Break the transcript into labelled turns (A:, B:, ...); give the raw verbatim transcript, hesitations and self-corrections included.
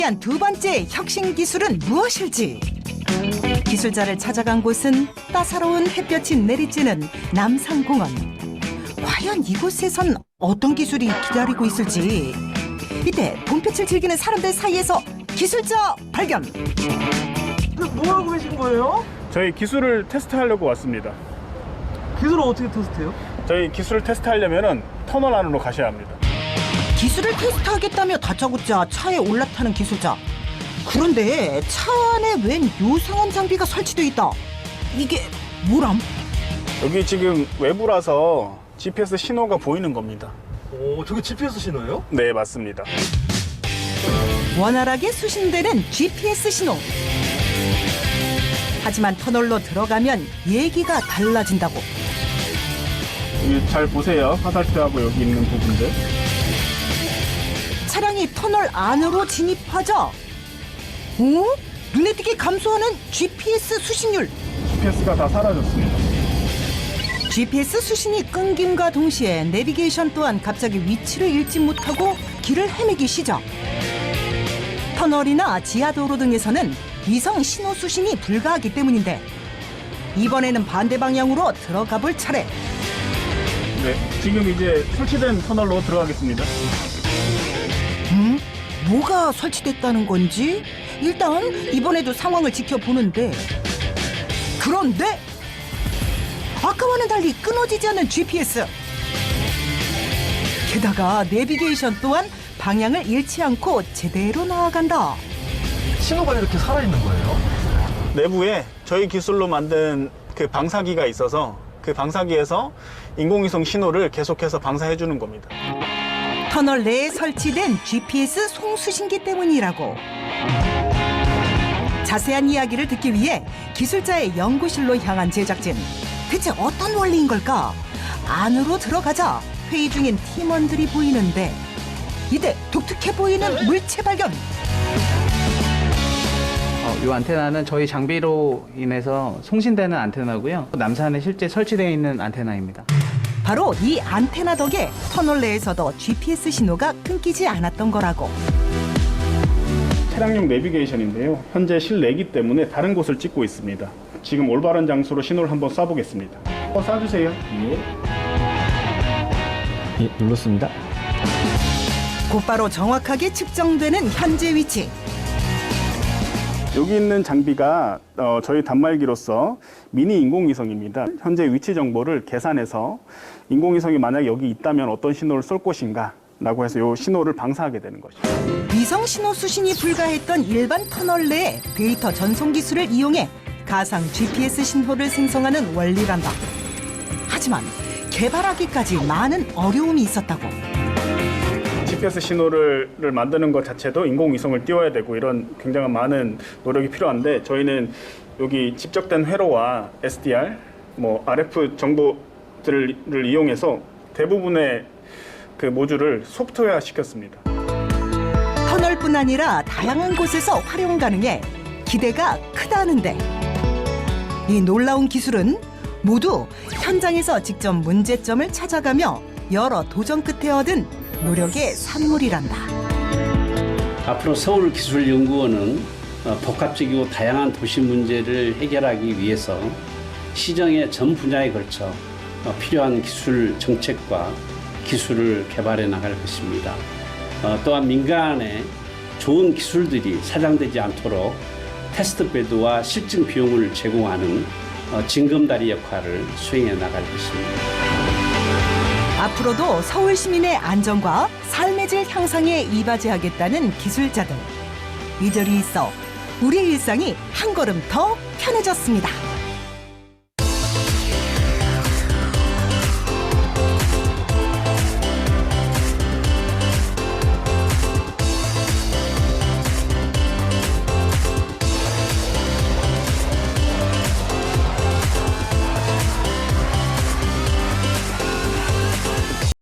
A: 위한 두 번째 혁신 기술은 무엇일지? 기술자를 찾아간 곳은 따사로운 햇볕이 내리쬐는 남산공원. 과연 이곳에선 어떤 기술이 기다리고 있을지. 이때 봄빛을 즐기는 사람들 사이에서 기술자 발견.
B: 뭐 하고 계신 거예요?
C: 저희 기술을 테스트하려고 왔습니다.
B: 기술을 어떻게 테스트해요?
C: 저희 기술을 테스트하려면 터널 안으로 가셔야 합니다.
A: 기술을 테스트하겠다며 다짜고짜 차에 올라타는 기술자. 그런데 차 안에 웬 요상한 장비가 설치돼 있다. 이게 뭐람?
C: 여기 지금 외부라서 지피에스 신호가 보이는 겁니다.
B: 오, 저게 지피에스 신호예요?
C: 네, 맞습니다.
A: 원활하게 수신되는 지피에스 신호. 하지만 터널로 들어가면 얘기가 달라진다고.
C: 여기 잘 보세요. 화살표하고 여기 있는 부분들.
A: 차량이 터널 안으로 진입하자 어? 눈에 띄게 감소하는 지피에스 수신율.
C: 지피에스가 다 사라졌습니다.
A: 지피에스 수신이 끊김과 동시에 내비게이션 또한 갑자기 위치를 잃지 못하고 길을 헤매기 시작. 터널이나 지하도로 등에서는 위성 신호 수신이 불가하기 때문인데 이번에는 반대 방향으로 들어가 볼 차례.
C: 네, 지금 이제 설치된 터널로 들어가겠습니다.
A: 음? 뭐가 설치됐다는 건지? 일단 이번에도 상황을 지켜보는데 그런데 아까와는 달리 끊어지지 않는 지피에스. 게다가 내비게이션 또한 방향을 잃지 않고 제대로 나아간다.
B: 신호가 이렇게 살아있는 거예요?
C: 내부에 저희 기술로 만든 그 방사기가 있어서 그 방사기에서 인공위성 신호를 계속해서 방사해 주는 겁니다.
A: 터널 내에 설치된 지피에스 송수신기 때문이라고. 자세한 이야기를 듣기 위해 기술자의 연구실로 향한 제작진. 대체 어떤 원리인 걸까? 안으로 들어가자 회의 중인 팀원들이 보이는데 이때 독특해 보이는 물체 발견.
D: 어, 이 안테나는 저희 장비로 인해서 송신되는 안테나고요. 남산에 실제 설치되어 있는 안테나입니다.
A: 바로 이 안테나 덕에 터널 내에서도 지피에스 신호가 끊기지 않았던 거라고.
C: 차량용 내비게이션인데요. 현재 실내기 때문에 다른 곳을 찍고 있습니다. 지금 올바른 장소로 신호를 한번 쏴보겠습니다. 한번 쏴주세요. 예.
E: 예, 눌렀습니다.
A: 곧바로 정확하게 측정되는 현재 위치.
C: 여기 있는 장비가 어, 저희 단말기로서 미니 인공위성입니다. 현재 위치 정보를 계산해서 인공위성이 만약에 여기 있다면 어떤 신호를 쏠 것인가 라고 해서 이 신호를 방사하게 되는 것이죠.
A: 위성 신호 수신이 불가했던 일반 터널 내에 데이터 전송 기술을 이용해 가상 지피에스 신호를 생성하는 원리란다. 하지만 개발하기까지 많은 어려움이 있었다고.
C: 지피에스 신호를 만드는 것 자체도 인공위성을 띄워야 되고 이런 굉장한 많은 노력이 필요한데 저희는 여기 집적된 회로와 에스디알, 뭐 알에프 정보들을 이용해서 대부분의 그 모듈을 소프트웨어 시켰습니다.
A: 터널뿐 아니라 다양한 곳에서 활용 가능해 기대가 크다는데 이 놀라운 기술은 모두 현장에서 직접 문제점을 찾아가며 여러 도전 끝에 얻은 노력의 산물이란다.
F: 앞으로 서울기술연구원은 복합적이고 다양한 도시 문제를 해결하기 위해서 시정의 전 분야에 걸쳐 필요한 기술 정책과 기술을 개발해 나갈 것입니다. 또한 민간에 좋은 기술들이 사장되지 않도록 테스트베드와 실증 비용을 제공하는 징검다리 역할을 수행해 나갈 것입니다.
A: 앞으로도 서울 시민의 안전과 삶의 질 향상에 이바지하겠다는 기술자들. 이들이 있어 우리 일상이 한 걸음 더 편해졌습니다.